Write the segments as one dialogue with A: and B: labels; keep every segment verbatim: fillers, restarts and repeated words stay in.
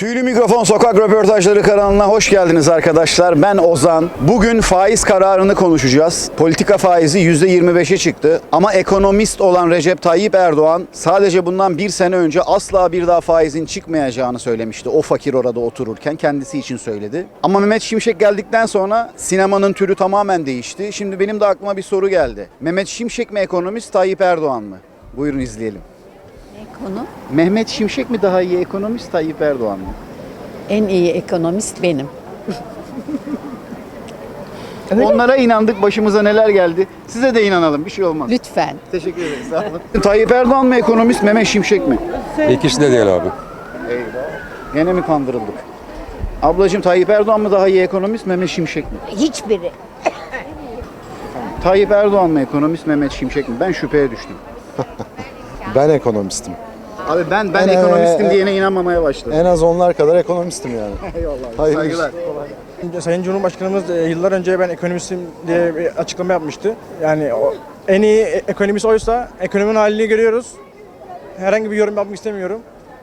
A: Tüylü Mikrofon Sokak Röportajları kanalına hoş geldiniz arkadaşlar. Ben Ozan. Bugün faiz kararını konuşacağız. Politika faizi yüzde yirmi beşe çıktı. Ama ekonomist olan Recep Tayyip Erdoğan sadece bundan bir sene önce asla bir daha faizin çıkmayacağını söylemişti. O fakir orada otururken kendisi için söyledi. Ama Mehmet Şimşek geldikten sonra sinemanın türü tamamen değişti. Şimdi benim de aklıma bir soru geldi. Mehmet Şimşek mi ekonomist, Tayyip Erdoğan mı? Buyurun izleyelim.
B: Konu.
A: Mehmet Şimşek mi daha iyi ekonomist, Tayyip Erdoğan mı?
B: En iyi ekonomist benim.
A: Onlara inandık, başımıza neler geldi. Size de inanalım, bir şey olmaz.
B: Lütfen.
A: Teşekkür ederiz, sağ olun. Tayyip Erdoğan mı ekonomist, Mehmet Şimşek mi?
C: İkisi de değil abi.
A: Eyvah. Gene mi kandırıldık? Ablacığım, Tayyip Erdoğan mı daha iyi ekonomist, Mehmet Şimşek mi?
B: Hiçbiri.
A: Tayyip Erdoğan mı ekonomist, Mehmet Şimşek mi? Ben şüpheye düştüm.
D: Ben ekonomistim.
A: Abi ben ben
D: Ben,
A: ekonomistim
D: e,
A: diyene inanmamaya başladım.
D: En az onlar kadar ekonomistim yani.
A: Eyvallah.
D: Hayırlı
A: Saygılar.
E: Sayın Cumhurbaşkanımız e, yıllar önce ben ekonomistim diye bir açıklama yapmıştı. Yani o, en iyi e- ekonomist oysa ekonominin halini görüyoruz. Herhangi bir yorum yapmak istemiyorum.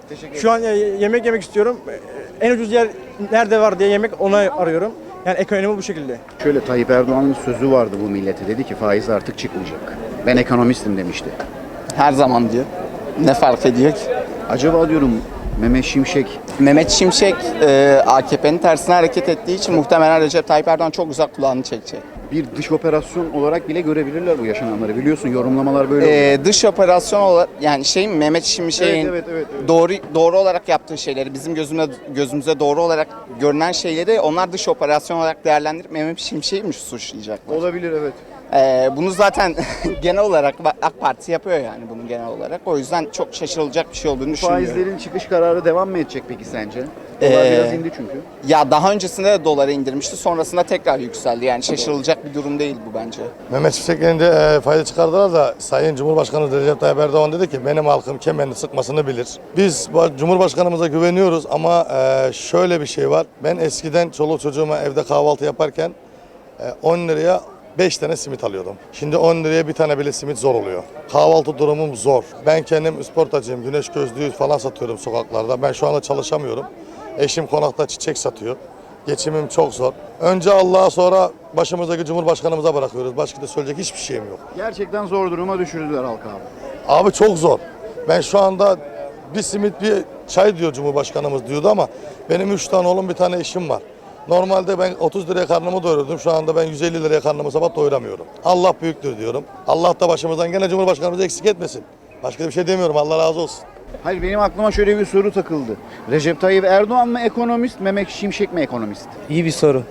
E: Şu an e, yemek yemek istiyorum. E, En ucuz yer nerede var diye yemek onu arıyorum. Yani ekonomi bu şekilde.
A: Şöyle Tayyip Erdoğan'ın sözü vardı bu millete. Dedi ki faiz artık çıkmayacak. Ben ekonomistim demişti.
F: Her zaman diyor. Ne fark ediyor ki?
A: Acaba diyorum Mehmet Şimşek
F: Mehmet Şimşek e, A K P'nin tersine hareket ettiği için muhtemelen Recep Tayyip Erdoğan çok uzak kulağını çekecek.
A: bir dış operasyon olarak bile görebilirler bu yaşananları. Biliyorsun yorumlamalar böyle oluyor.
F: E, dış operasyon olarak yani şey mi Mehmet Şimşek'in
A: Evet, evet, evet, evet.
F: doğru doğru olarak yaptığı şeyleri bizim gözümüze gözümüze doğru olarak görünen şeyleri onlar dış operasyon olarak değerlendirip Mehmet Şimşek'i mi suçlayacaklar?
A: Olabilir, evet.
F: E, bunu zaten genel olarak AK Parti yapıyor yani bunu genel olarak. O yüzden çok şaşırılacak bir şey olduğunu düşünmüyorum.
A: Faizlerin çıkış kararı devam mı edecek peki sence? Dolar
F: Ee,
A: biraz indi çünkü.
F: Ya daha öncesinde de doları indirmişti. Sonrasında tekrar yükseldi. Yani şaşırılacak bir durum değil bu bence.
D: Mehmet Şimşek elinde e, fayda çıkardılar da Sayın Cumhurbaşkanı Recep Tayyip Erdoğan dedi ki benim halkım kemerini sıkmasını bilir. Biz bu Cumhurbaşkanımıza güveniyoruz ama e, şöyle bir şey var. Ben eskiden çoluk çocuğuma evde kahvaltı yaparken e, on liraya beş tane simit alıyordum. Şimdi on liraya bir tane bile simit zor oluyor. Kahvaltı durumum zor. Ben kendim sportacıyım. Güneş gözlüğü falan satıyorum sokaklarda. Ben şu anda çalışamıyorum. Eşim konakta çiçek satıyor. Geçimim çok zor. Önce Allah'a sonra başımızdaki Cumhurbaşkanımıza bırakıyoruz. Başka da söyleyecek hiçbir şeyim yok.
A: Gerçekten zor duruma düşürdüler halkı abi.
D: Abi çok zor. Ben şu anda bir simit bir çay diyor Cumhurbaşkanımız diyordu ama benim üç tane oğlum bir tane eşim var. Normalde ben otuz liraya karnımı doyururdum. Şu anda ben yüz elli liraya karnımı sabah doyuramıyorum. Allah büyüktür diyorum. Allah da başımızdan gene Cumhurbaşkanımızı eksik etmesin. Başka bir şey demiyorum. Allah razı olsun.
A: Hayır, benim aklıma şöyle bir soru takıldı. Recep Tayyip Erdoğan mı ekonomist, Mehmet Şimşek mi ekonomist?
G: İyi bir soru.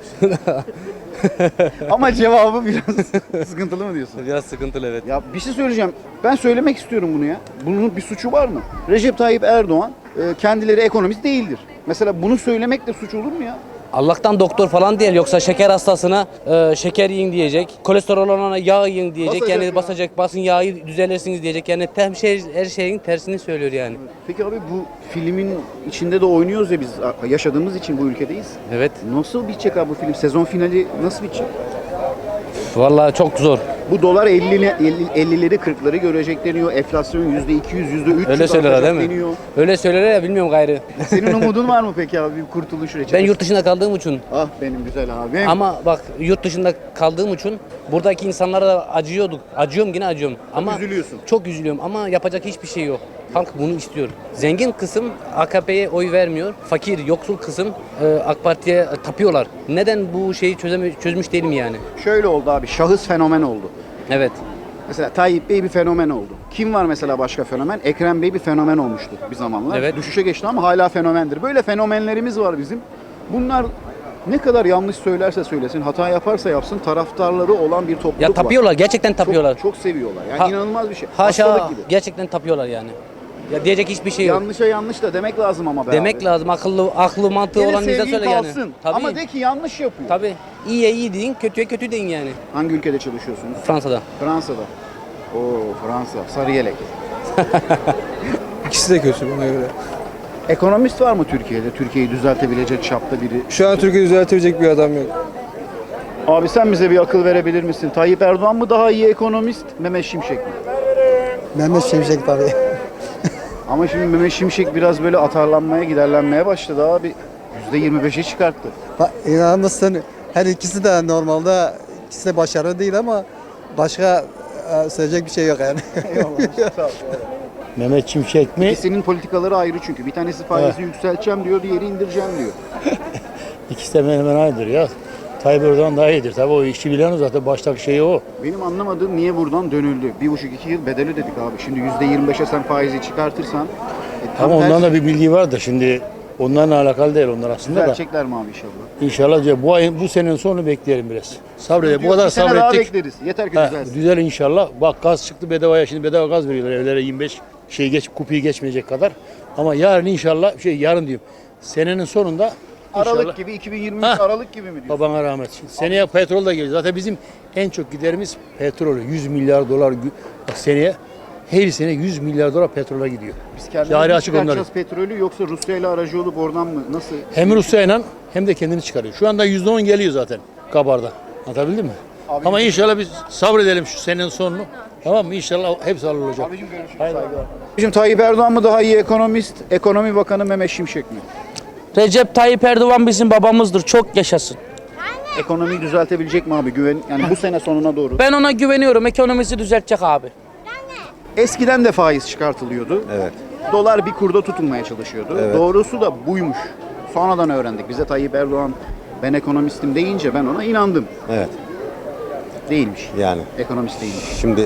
A: Ama cevabı biraz sıkıntılı mı diyorsun?
G: Biraz sıkıntılı, evet.
A: Ya bir şey söyleyeceğim. Ben söylemek istiyorum bunu ya. Bunun bir suçu var mı? Recep Tayyip Erdoğan e, kendileri ekonomist değildir. Mesela bunu söylemek de suç olur mu ya?
G: Allah'tan doktor falan değil, yoksa şeker hastasına e, şeker yiyin diyecek, kolesterol olana yağ yiyin diyecek,
A: Basacak
G: yani
A: ya.
G: basacak, basın yağı düzelirsiniz diyecek, yani her, şey, her şeyin tersini söylüyor yani.
A: Peki abi, bu filmin içinde de oynuyoruz ya biz, yaşadığımız için bu ülkedeyiz.
G: Evet,
A: Nasıl bitecek abi bu film? Sezon finali nasıl bitecek?
G: vallahi çok zor.
A: Bu dolar ellileri kırkları görecek deniyor. Enflasyon yüzde iki yüz, yüzde üç yüz
G: Öyle söylerler değil mi?
A: deniyor.
G: Öyle söylerler ya, bilmiyorum gayrı.
A: Senin umudun var mı peki abi, bir kurtuluş reçetesi?
G: Ben yurt dışında kaldığım için,
A: Ah benim güzel abim.
G: ama bak yurt dışında kaldığım için buradaki insanlara da acıyorduk. Acıyorum, yine acıyorum. Ama
A: üzülüyorsun.
G: Çok üzülüyorum ama yapacak hiçbir şey yok. Halk bunu istiyor. Zengin kısım A K P'ye oy vermiyor. Fakir, yoksul kısım e, AK Parti'ye tapıyorlar. Neden bu şeyi çözeme, çözmüş değilim yani.
A: Şöyle oldu abi, şahıs fenomen oldu.
G: Evet.
A: Mesela Tayyip Bey bir fenomen oldu. Kim var mesela başka fenomen? Ekrem Bey bir fenomen olmuştu bir zamanlar.
G: Evet.
A: Düşüşe geçti ama hala fenomendir. Böyle fenomenlerimiz var bizim. Bunlar ne kadar yanlış söylerse söylesin, hata yaparsa yapsın, taraftarları olan bir topluluk
G: Ya tapıyorlar,
A: var.
G: gerçekten tapıyorlar.
A: Çok, çok seviyorlar. Yani
G: Ha-
A: inanılmaz bir şey.
G: Haşa,
A: Hastalık gibi.
G: gerçekten tapıyorlar yani. Ya diyecek hiçbir şey yok.
A: Yanlışa yanlış da demek lazım ama be
G: Demek
A: abi.
G: lazım, akıllı aklı mantığı
A: Gene
G: olan bize
A: sevgin
G: söyle yani.
A: kalsın.
G: Tabii.
A: Ama de ki yanlış yapıyor.
G: Tabii. İyiye iyi deyin, kötüye kötü deyin yani.
A: Hangi ülkede çalışıyorsunuz?
G: Fransa'da.
A: Fransa'da. Oo, Fransa. Sarı yelek.
H: İkisi de kötü bana göre.
A: Ekonomist var mı Türkiye'de? Türkiye'yi düzeltebilecek çapta biri.
H: Şu an Türkiye düzeltebilecek bir adam yok.
A: Abi sen bize bir akıl verebilir misin? Tayyip Erdoğan mı daha iyi ekonomist, Mehmet Şimşek mi?
I: Mehmet Şimşek tabii.
A: Ama şimdi Mehmet Şimşek biraz böyle atarlanmaya, giderlenmeye başladı abi. yüzde yirmi beşe çıkarttı.
H: Bak, İnanır mısın? Her ikisi de normalde ikisi de başarılı değil ama başka e, söyleyecek bir şey yok yani.
C: Mehmet Şimşek mi?
A: İkisinin politikaları ayrı çünkü. Bir tanesi faizi yükselteceğim diyor, diğeri indireceğim diyor.
C: İkisi de hemen hemen aynıdır ya. Tayyip Erdoğan daha iyidir. Tabii o işi bilen o zaten baştaki şey o.
A: Benim anlamadığım niye buradan dönüldü? Bir buçuk iki yıl bedeli dedik abi. Şimdi yüzde yirmi beşe sen faizi çıkartırsan e, tam
C: Ama ondan
A: tersi
C: da bir bilgi vardır. Şimdi onlarla alakalı değil onlar aslında da.
A: düzeltecekler mi abi inşallah?
C: İnşallah diye bu ayın bu senenin sonunu bekleyelim biraz. Sabredelim. Bu kadar
A: Bir sene daha
C: sabrettik.
A: bekleriz. Yeter ki
C: Ha,
A: düzelsin.
C: düzel inşallah. Bak gaz çıktı bedavaya. Şimdi bedava gaz veriyorlar evlere yirmi beş şey geç kupiyi geçmeyecek kadar. Ama yarın inşallah şey yarın diyorum. Senenin sonunda
A: Aralık
C: inşallah.
A: gibi iki bin yirmi üç
C: Ha.
A: Aralık gibi mi diyorsun?
C: Babana rahmet. Şimdi seneye petrol da geliyor. Zaten bizim en çok giderimiz petrol. yüz milyar dolar gü- bak seneye her sene yüz milyar dolar petrola gidiyor.
A: Biz
C: Yarı
A: kendimiz mi
C: açık
A: çıkartacağız
C: onları.
A: petrolü yoksa Rusya ile aracı olup oradan mı? Nasıl?
C: Hem Rusya'yla hem de kendini çıkarıyor. Şu anda yüzde on geliyor zaten kabarda. Anlatabildim mi?
A: Abi-
C: Ama inşallah biz sabredelim şu senenin sonunu. Tamam mı? İnşallah hepsi hallolacak.
A: Abicim görüşürüz. Saygılar. Abicim Tayyip Erdoğan mı daha iyi ekonomist, ekonomi bakanı Mehmet Şimşek mi?
I: Recep Tayyip Erdoğan bizim babamızdır. Çok yaşasın.
A: Ekonomiyi düzeltebilecek mi abi? Güven yani bu sene sonuna doğru.
I: Ben ona güveniyorum. Ekonomisi düzeltecek abi.
A: Eskiden de faiz çıkartılıyordu.
J: Evet.
A: Dolar bir kurda tutulmaya çalışıyordu.
J: Evet.
A: Doğrusu da buymuş. Sonradan öğrendik. Bize Tayyip Erdoğan ben ekonomistim deyince ben ona inandım.
J: Evet.
A: Değilmiş.
J: Yani
A: Ekonomist değilmiş.
J: şimdi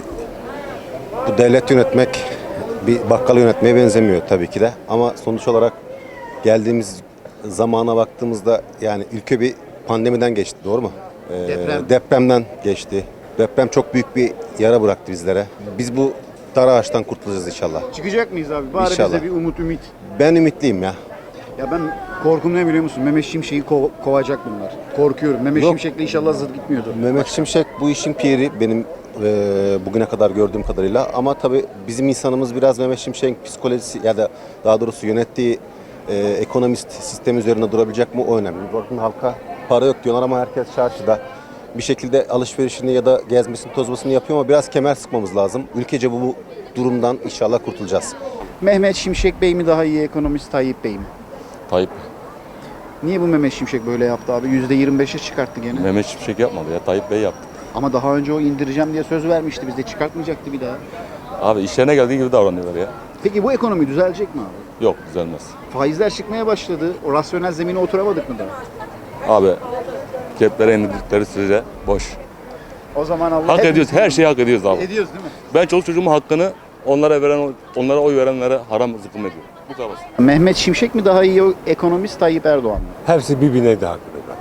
J: bu devlet yönetmek bir bakkal yönetmeye benzemiyor tabii ki de. Ama sonuç olarak geldiğimiz zamana baktığımızda yani ülke bir pandemiden geçti, doğru mu? Ee,
A: Deprem.
J: Depremden geçti. Deprem çok büyük bir yara bıraktı bizlere. Biz bu dar ağaçtan kurtulacağız inşallah.
A: Çıkacak mıyız abi? Bari
J: İnşallah.
A: bize bir umut ümit.
J: Ben ümitliyim ya.
A: Ya ben korkum ne biliyor musun? Mehmet Şimşek'i kov- kovacak bunlar. Korkuyorum. Mehmet
J: Yok.
A: Şimşek'le inşallah zıt gitmiyordu.
J: Mehmet Şimşek bu işin piri benim e, bugüne kadar gördüğüm kadarıyla. Ama tabii bizim insanımız biraz Mehmet Şimşek'in psikolojisi ya da daha doğrusu yönettiği e, ekonomist sistem üzerine durabilecek mi o önemli. Bakın halka para yok diyorlar ama herkes çarşıda bir şekilde alışverişini ya da gezmesini tozmasını yapıyor ama biraz kemer sıkmamız lazım. Ülkece bu, bu durumdan inşallah kurtulacağız.
A: Mehmet Şimşek Bey mi daha iyi ekonomist, Tayyip Bey mi?
K: Tayyip.
A: Niye bu Mehmet Şimşek böyle yaptı abi? yüzde yirmi beşe çıkarttı gene.
K: Mehmet Şimşek yapmadı ya. Tayyip Bey yaptı.
A: Ama daha önce o indireceğim diye söz vermişti. Bizde çıkartmayacaktı bir daha.
K: Abi işlerine geldiği gibi davranıyorlar ya.
A: Peki bu ekonomi düzelecek mi abi?
K: Yok düzelmez.
A: Faizler çıkmaya başladı. O rasyonel zemine oturamadık mı daha?
K: Abi ceplere indirdikleri sürece boş.
A: O zaman Allah
K: Hak
A: hepimiz-
K: ediyoruz. Her şeyi hak ediyoruz abi.
A: Ediyoruz değil mi?
K: Ben çoluk çocuğumun hakkını onlara veren onlara oy verenlere haram zıkkım ediyorum. Bu kadar basit.
A: Mehmet Şimşek mi daha iyi ekonomist, Tayyip Erdoğan mı?
L: Hepsi birbirine de haklı.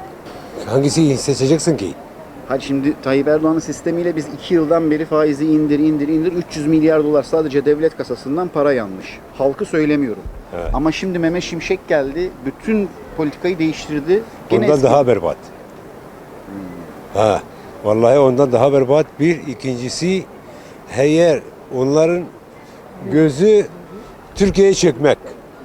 L: Hangisi seçeceksin ki?
A: Hadi şimdi Tayyip Erdoğan'ın sistemiyle biz iki yıldan beri faizi indir indir indir üç yüz milyar dolar sadece devlet kasasından para yanmış. Halkı söylemiyorum.
L: Evet.
A: Ama şimdi Mehmet Şimşek geldi, bütün politikayı değiştirdi. Gene
L: Ondan
A: eski-
L: daha berbat. Ha, vallahi ondan daha berbat. Bir, ikincisi eğer onların gözü Türkiye'ye çekmek.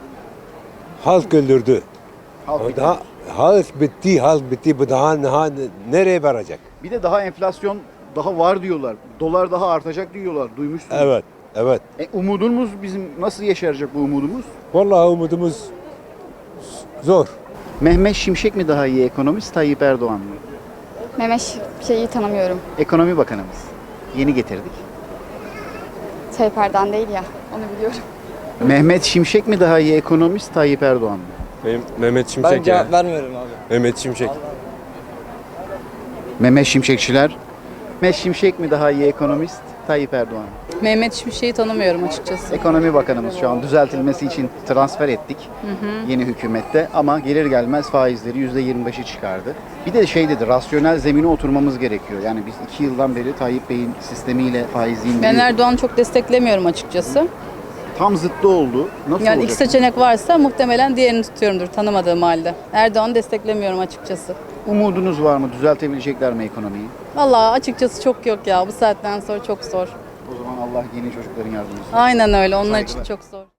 L: Halk öldürdü.
A: Halk
L: O
A: bitti.
L: daha, halk bitti, halk bitti. Bu daha, daha nereye varacak?
A: Bir de daha enflasyon daha var diyorlar. Dolar daha artacak diyorlar. Duymuşsunuz.
L: Evet, evet.
A: E, umudumuz bizim nasıl yeşerecek bu umudumuz?
L: Vallahi umudumuz zor.
A: Mehmet Şimşek mi daha iyi ekonomist, Tayyip Erdoğan mı?
M: Mehmet şeyi tanımıyorum.
A: Ekonomi Bakanımız. Yeni getirdik.
M: Tayyip Erdoğan değil ya. Onu biliyorum.
A: Mehmet Şimşek mi daha iyi ekonomist, Tayyip Erdoğan mı?
H: Benim Mehmet Şimşek
E: Ben cevap vermiyorum abi.
H: Mehmet Şimşek.
A: Mehmet Şimşekçiler. Mehmet Şimşek mi daha iyi ekonomist, Tayyip Erdoğan mı?
B: Mehmet Şimşek'i tanımıyorum açıkçası.
A: Ekonomi Bakanımız şu an düzeltilmesi için transfer ettik yeni hükümette ama gelir gelmez faizleri yüzde yirmi beşe çıkardı. Bir de şey dedi, rasyonel zemine oturmamız gerekiyor. Yani biz iki yıldan beri Tayyip Bey'in sistemiyle faizi
B: Ben
A: indiriyoruz.
B: Erdoğan'ı çok desteklemiyorum açıkçası.
A: Tam zıttı oldu. Nasıl
B: Yani
A: olacak?
B: iki seçenek varsa muhtemelen diğerini tutuyorumdur tanımadığım halde. Erdoğan'ı desteklemiyorum açıkçası.
A: Umudunuz var mı? Düzeltebilecekler mi ekonomiyi?
B: Vallahi açıkçası çok yok ya. Bu saatten sonra çok zor.
A: O zaman Allah yeni çocukların yardımcısı.
B: Aynen öyle. Onlar
A: Saygılar.
B: için çok zor.